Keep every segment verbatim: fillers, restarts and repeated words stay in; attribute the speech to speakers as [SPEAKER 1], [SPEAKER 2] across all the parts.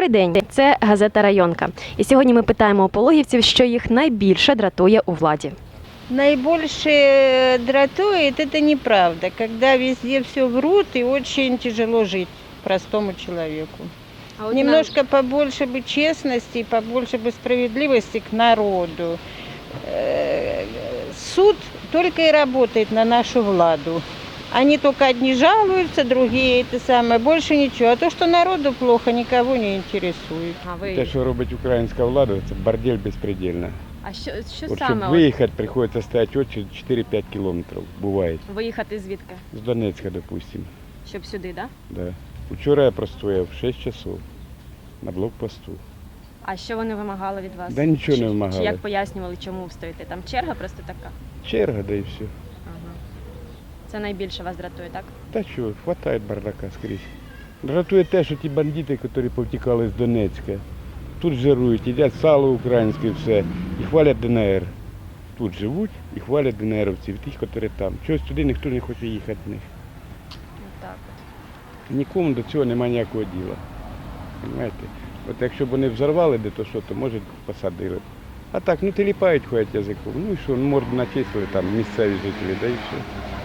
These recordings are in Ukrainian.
[SPEAKER 1] Добрий день, це газета «Районка». І сьогодні ми питаємо у пологівців, що їх найбільше дратує у владі.
[SPEAKER 2] Наибольше дратует это неправда, когда везде все врут и очень тяжело жить простому человеку.
[SPEAKER 1] А
[SPEAKER 2] Немножко побольше бы честности, побольше бы справедливости к народу. Э, Суд только и работает на нашу владу. Они только одни жалуются, другие это самое, больше ничего. А то, что народу плохо, никого не интересует.
[SPEAKER 1] А ви...
[SPEAKER 3] Те, що робить українська влада, це бордель безпредельна.
[SPEAKER 1] А що, що
[SPEAKER 3] От,
[SPEAKER 1] саме?
[SPEAKER 3] щоб виїхати, приходиться стояти очі чотири-п'ять кілометрів, буває.
[SPEAKER 1] От виїхати звідки?
[SPEAKER 3] З Донецька, допустимо.
[SPEAKER 1] Щоб сюди, так? Да?
[SPEAKER 3] Да. Вчора я простояв шість часов на блокпосту.
[SPEAKER 1] А що вони вимагали від вас?
[SPEAKER 3] Да нічого
[SPEAKER 1] Чи-
[SPEAKER 3] не
[SPEAKER 1] Чи
[SPEAKER 3] вимагали.
[SPEAKER 1] як пояснювали, чому ви стоїте? Там черга просто така?
[SPEAKER 3] Черга, да і все.
[SPEAKER 1] Ага. Це найбільше вас дратує, так?
[SPEAKER 3] Та що, хватає бардака скрізь. Дратує те, що ті бандити, які повтікали з Донецька, тут жирують, їдять сало українське, все, і хвалять ДНР. Тут живуть і хвалять ДНРовців, тих, які там. Чогось туди ніхто не хоче їхати в них.
[SPEAKER 1] Так.
[SPEAKER 3] Нікому до цього немає ніякого діла. Понимаєте? От якщо б вони взорвали де то що, то може посадили. А так, ну теліпають, ходять язиком. Ну і що, ну морду начислили там місцеві жителі, да і все.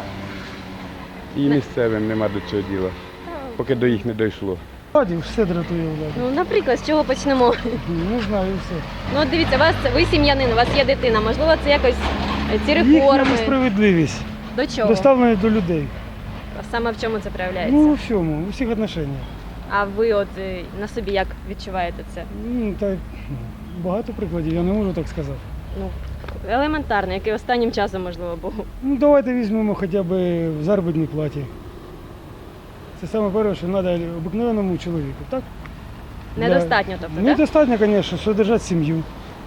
[SPEAKER 3] І місцевим нема до цього діла, поки до їх не дійшло.
[SPEAKER 4] Владі все дратує владу.
[SPEAKER 1] Ну, наприклад, з чого почнемо?
[SPEAKER 4] Не знаю, все.
[SPEAKER 1] Ну, от дивіться, вас, ви сім'янин, у вас є дитина, можливо, це якось е, ці
[SPEAKER 4] Їхня
[SPEAKER 1] реформи.
[SPEAKER 4] несправедливість
[SPEAKER 1] До чого?
[SPEAKER 4] доставлена до людей.
[SPEAKER 1] А саме в чому це проявляється?
[SPEAKER 4] Ну, у всьому, у всіх відношеннях.
[SPEAKER 1] А ви от е, на собі як відчуваєте це?
[SPEAKER 4] Ну, так, багато прикладів, я не можу так сказати.
[SPEAKER 1] Ну, елементарно, який останнім часом, можливо, був.
[SPEAKER 4] Ну, давайте візьмемо хоча б в заробітній платі. Це саме перше, що треба обикновеному чоловіку, так?
[SPEAKER 1] Недостатньо, тобто, так?
[SPEAKER 4] Недостатньо, звісно, содержати сім'ю.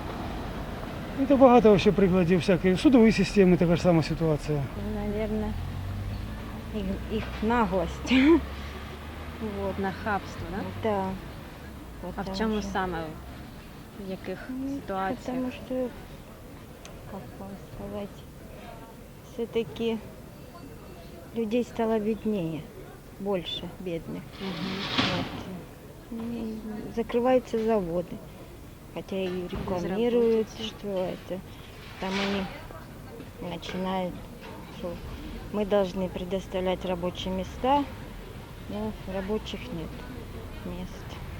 [SPEAKER 4] І то багато ще прикладів всяких. В судовій системі така ж сама ситуація.
[SPEAKER 5] Наверное, их, их наглость.
[SPEAKER 1] Вот, нахабство, да?
[SPEAKER 5] Да.
[SPEAKER 1] А в
[SPEAKER 5] Потому
[SPEAKER 1] чому
[SPEAKER 5] что-
[SPEAKER 1] саме? В яких
[SPEAKER 5] Ну,
[SPEAKER 1] ситуаціях?
[SPEAKER 5] Потому что, как вам сказать, все-таки людей стало беднее, больше бедных. Вот. И закрываются заводы, хотя и рекламируют,
[SPEAKER 1] Безработица.
[SPEAKER 5] что это. Там они начинают, что мы должны предоставлять рабочие места, но рабочих нет мест.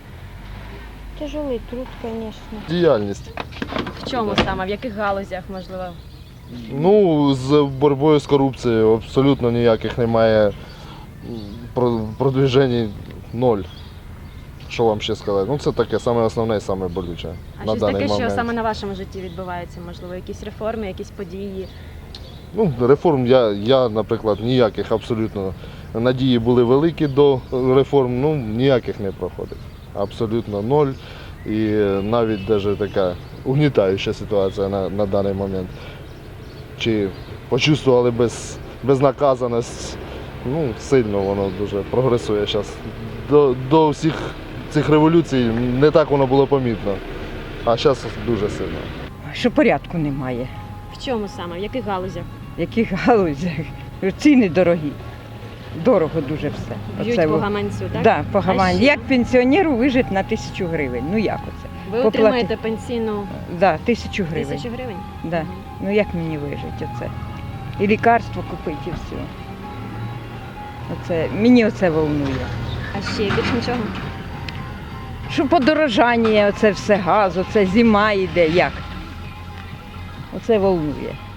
[SPEAKER 5] Тяжелый труд, конечно.
[SPEAKER 6] Діяльність.
[SPEAKER 1] В чому саме? В яких галузях, можливо?
[SPEAKER 6] Ну, з боротьбою з корупцією абсолютно ніяких немає про- продвіжень ноль. Що вам ще сказати? Ну це таке саме основне і саме болюче
[SPEAKER 1] А
[SPEAKER 6] на
[SPEAKER 1] щось
[SPEAKER 6] даний
[SPEAKER 1] таке,
[SPEAKER 6] момент.
[SPEAKER 1] що саме на вашому житті відбувається? Можливо, якісь реформи, якісь події?
[SPEAKER 6] Ну, реформ я, я, наприклад, ніяких абсолютно. Надії були великі до реформ, ну ніяких не проходить. Абсолютно ноль. І навіть даже така угнітаюча ситуація на, на даний момент. Чи почувствували без, безнаказаність, ну, сильно воно дуже прогресує зараз. До, до всіх цих революцій не так воно було помітно, а зараз дуже сильно.
[SPEAKER 7] Що порядку немає.
[SPEAKER 1] В чому саме? В яких галузях?
[SPEAKER 7] В яких галузях? Ціни дорогі. Дорого дуже все.
[SPEAKER 1] Б'ють
[SPEAKER 7] Оце
[SPEAKER 1] по
[SPEAKER 7] во-
[SPEAKER 1] гаманцю, так?
[SPEAKER 7] Да, по
[SPEAKER 1] А
[SPEAKER 7] гаманці.
[SPEAKER 1] ще?
[SPEAKER 7] Як пенсіонеру вижити на тисячу гривень? Ну як оце?
[SPEAKER 1] Ви
[SPEAKER 7] поплати-
[SPEAKER 1] отримаєте пенсійну
[SPEAKER 7] Да, тисячу гривень.
[SPEAKER 1] тисячу гривень?
[SPEAKER 7] Да.
[SPEAKER 1] Мгм.
[SPEAKER 7] Ну як мені вижити оце? І лікарство купити, і все. Оце, мені оце волнує.
[SPEAKER 1] А ще більше нічого?
[SPEAKER 7] Що подорожання, оце все газ, оце зима йде, як? Оце волнує.